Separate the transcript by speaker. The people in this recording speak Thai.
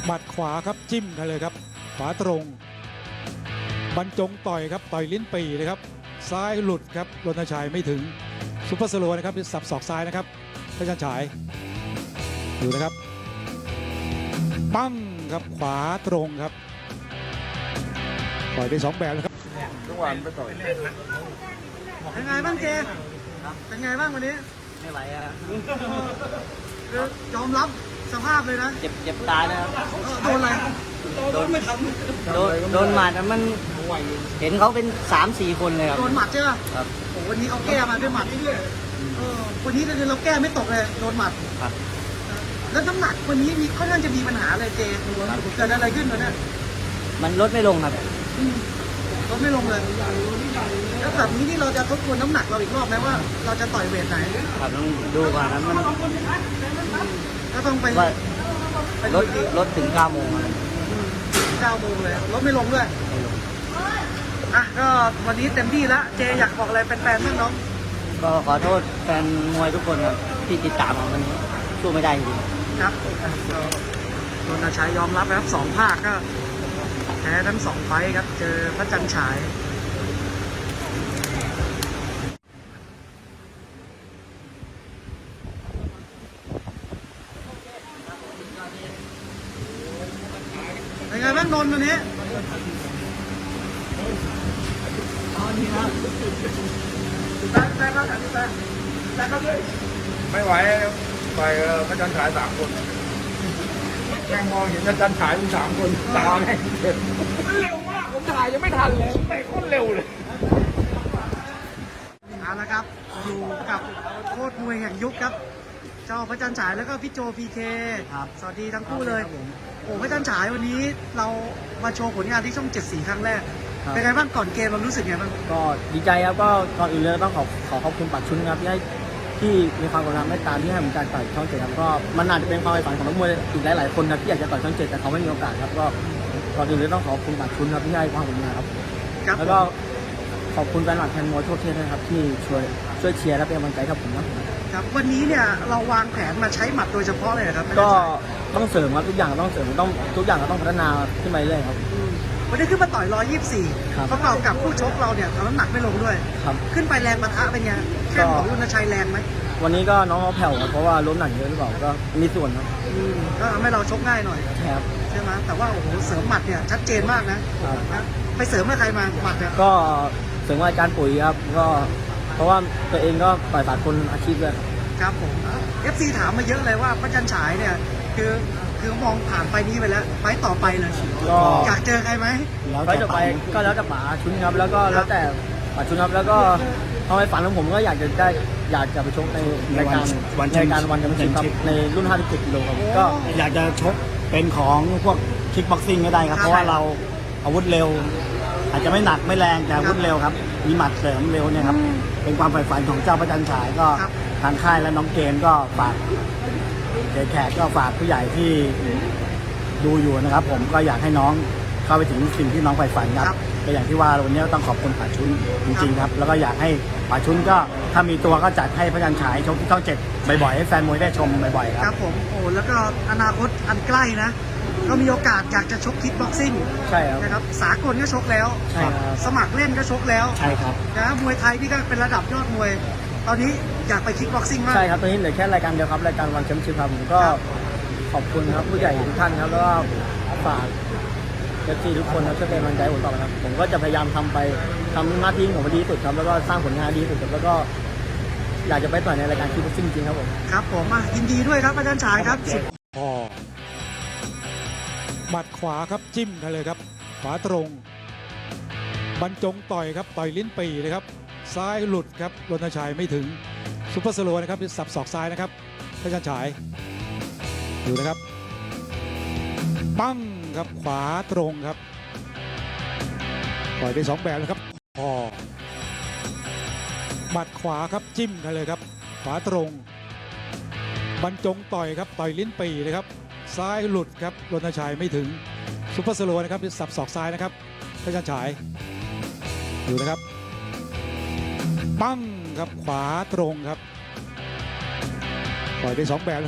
Speaker 1: หมัดขวาครับจิ้มกันเลยครับขวาตรงบรรจงต่อยครับต่อยลิ้นปี่เลยครับซ้ายหลุดครับรณชัยไม่ถึงซุปเปอร์สโลว์นะครับสับศอกซ้ายนะครับพระจันฉายดูนะครับปั้งครับขวาตรงครับต่อยได้2แบบนะครับ
Speaker 2: ทุกวันไปต่อย
Speaker 3: เป็นไงบ้างเจเป็นไงบ้างวันนี้
Speaker 4: ไม่ไหวอะ
Speaker 3: คือยอมรับสภาพเลยนะ
Speaker 4: เจ็บตายนะครับ
Speaker 3: โดนอะไร
Speaker 4: โดนหมัดมันเห็นเขาเป็น3-4 คนเลยครับ
Speaker 3: โดนหมัดใช่ไหม
Speaker 4: ครับ
Speaker 3: โอ้วันนี้เขาแก้มาด้วยหมัดวันนี้เราแก้ไม่ตกเลยโดนหมัด
Speaker 4: ครับ
Speaker 3: แล้วน้ำหนักวันนี้มีค่อนข้างจะมีปัญหาเลยเจเกิดอะไรขึ้นวะเนี่ย
Speaker 4: มันลดไม่ลงครับ
Speaker 3: ลดไม่ลงเลยแล้วแบบนี้ที่เราจะทบทวนน้ำหนักเราอีกรอบไหมว่าเราจะต่อยเวทไหน
Speaker 4: ครับต้องดูก่อนนะมัน
Speaker 3: ก็ต้องไป
Speaker 4: ลดถึง9 โมง
Speaker 3: 9 โมงเลยลดไม่ลงด้วยอ่ะก็วันนี้เต็มที่แล้วเจอยากบอกอะไรแฟนๆบ้างน้อง
Speaker 4: ก็ขอโทษแฟนมวยทุกคนครับที่ติดตามวันนี้สู้ไม่ได้จริง
Speaker 3: ครับรณชัยยอมรับนะครับ2 ภาคก็แพ้ทั้ง2 ไฟท์ครับเจอพระจันทร์ฉายเป็นไงบ้างนนท์วันนี้
Speaker 2: ไม่ไหวไปพระจันทร์ฉาย3 คนแม่งมองเห็นพระจันทร์ฉายมี3 คนตาแม่งมันเร็วมากผมถ่ายยังไม่ทันเลยไปโคตรเร็วเลย
Speaker 3: เอาละครับอยู่กับโคตรมวยแห่งยุคครับเจ้าพระจันทร์ฉายแล้วก็พี่โจพีเคสวัสดีทั้งคู่เลยโอ้พระจันทร์ฉายวันนี้เรามาโชว์ผลงานที่ช่อง7 สีครั้งแรกเป็นไงบ้างก่อนเกมเรารู้สึกไงบ้าง
Speaker 4: ก็ดีใจครับก็ก่อนอื่นเลยต้องขอบคุณปักชุนครับที่มีความกรุณาเมตตาที่ให้ผมการต่อยช่อง7ครับก็มันอาจจะเป็นความใฝ่ฝันของนักมวยอีกหลายๆคนครับที่อยากจะต่อยช่อง7แต่เขาไม่มีโอกาสครับก็ก่อนอื่นเลยต้องขอบคุณปักชุนครับที่ให้ความกรุณาครับแล้วก็ขอบคุณแฟนหลักแฟนมวยทั่วประเทศนะครับที่ช่วยเชียร์และเป็นกำลังใจกับผม
Speaker 3: ครับวันนี้เนี่ยเราวางแผนมาใช้หมัดโดยเฉพาะเลยครับ
Speaker 4: ก็ต้องเสริมครับทุกอย่างต้องเสริมทุกอย่างเราต้องพัฒนาขึ้นไปเรื่อยครับ
Speaker 3: วันนี้ขึ้นมาต่อย124ประกอบกับผู้ชกเราเนี่ยทำน้ำหนักไม่ลงด้วยขึ้นไปแรงปะทะเป็นไงแข้งของรณชัยแรงไหม
Speaker 4: วันนี้ก็น้องเขาแผ่วเพราะว่าล้มหนักเยอะหรือเปล่าก็มีส่วนครับ
Speaker 3: ก็ทำให้เราชกง่ายหน่อย
Speaker 4: ครับ
Speaker 3: ใช่ไหมแต่ว่าโอ้โหเสริมหมัดเนี่ยชัดเจนมากนะไปเสริมเมื่อใครมาหมัดเนี่ย
Speaker 4: ก็เสริมอาจารย์ปุ๋ยครับก็เพราะว่าตัวเองก็ต่อยสากลอาชีพด้วย
Speaker 3: ครับผม FC ถามมาเยอะเลยว่าพระจันทร์ฉายเนี่ยคือมองผ่านไปนี้ไปแล้วไปต่อไปเลยอยากเจอใครไหม
Speaker 4: ไปต่อไปก็แล้วแต่ป๋าชุนครับแล้วก็แล้วแต่ป๋าชุนครับแล้วก็เอาไปฝันของผมก็อยากจะไปชกในรายการวันแชมเปี้ยนชิพในรุ่น57 กิโลครับ
Speaker 5: ก็อยากจะชกเป็นของพวกคิกบ็อกซิ่งก็ได้ครับเพราะว่าเราอาวุธเร็วอาจจะไม่หนักไม่แรงแต่อาวุธเร็วครับมีหมัดเสริมเร็วเนี่ยครับเป็นความใฝ่ฝันของเจ้าพระจันทร์ฉายก็ทางค่ายและน้องเกณฑ์ก็ฝากแขกก็ฝากผู้ใหญ่ที่ดูอยู่นะครับผมก็อยากให้น้องเข้าไปถึงสิ่งที่น้องใฝ่ฝันครับก็อย่างที่ว่าวันนี้ต้องขอบคุณป่าชุนจริงๆครับแล้วก็อยากให้ป่าชุนก็ถ้ามีตัวก็จัดให้พระจันทร์ฉายชกที่ช่อง7บ่อยๆให้แฟนมวยได้ชมบ่อยๆ
Speaker 3: ครับผมโอ้แล้วก็อนาคตอันใกล้นะก็มีโอกาสอยากจะชกคิกบ็อกซิ่ง
Speaker 4: ใช่ครับ
Speaker 3: นะครับสากลก็ชกแล้วสมัครเล่นก็ชกแล้ว
Speaker 5: ใช่ครับ
Speaker 3: นะมวยไทยพี่ก็เป็นระดับยอดมวยตอนนี้อยากไปคิกบ็อกซิ่งมาก
Speaker 4: ใช่ครับตอนนี้เหลือแค่รายการเดียวครับรายการวันแชมเปี้ยนชิพครับผมก็ขอบคุณครับผู้ใหญ่ทุกท่านครับแล้วก็ฝากFCทุกคนครับช่วยเป็นกำลังใจผมต่อไปครับผมก็จะพยายามทำหน้าที่ของผมดีที่สุดครับแล้วก็สร้างผลงานดีที่สุดครับแล้วก็อยากจะไปต่อยในรายการคิกบ็อกซิ่งจริงครับผม
Speaker 3: ครับผมยินดีด้วยครับอาจารย์ชายครับ
Speaker 1: หมัดขวาครับจิ้มกันเลยครับขวาตรงบรรจงต่อยครับต่อยลิ้นปี่เลยครับซ้ายหลุดครับรณชัยไม่ถึงซุปเปอร์สโลว์นะครับสับศอกซ้ายนะครับพระจันทร์ฉายดูนะครับปั้งครับขวาตรงครับต่อยได้2 แบบนะครับหมัดขวาครับจิ้มกันเลยครับขวาตรงบรรจงต่อยครับต่อยลิ้นปี่เลยครับซ้ายหลุดครับรณชัยไม่ถึงซุปเปอร์สโลว์นะครับสับศอกซ้ายนะครับพระจันทร์ฉายดูนะครับปั้งครับขวาตรงครับต่อยได้2 แบบ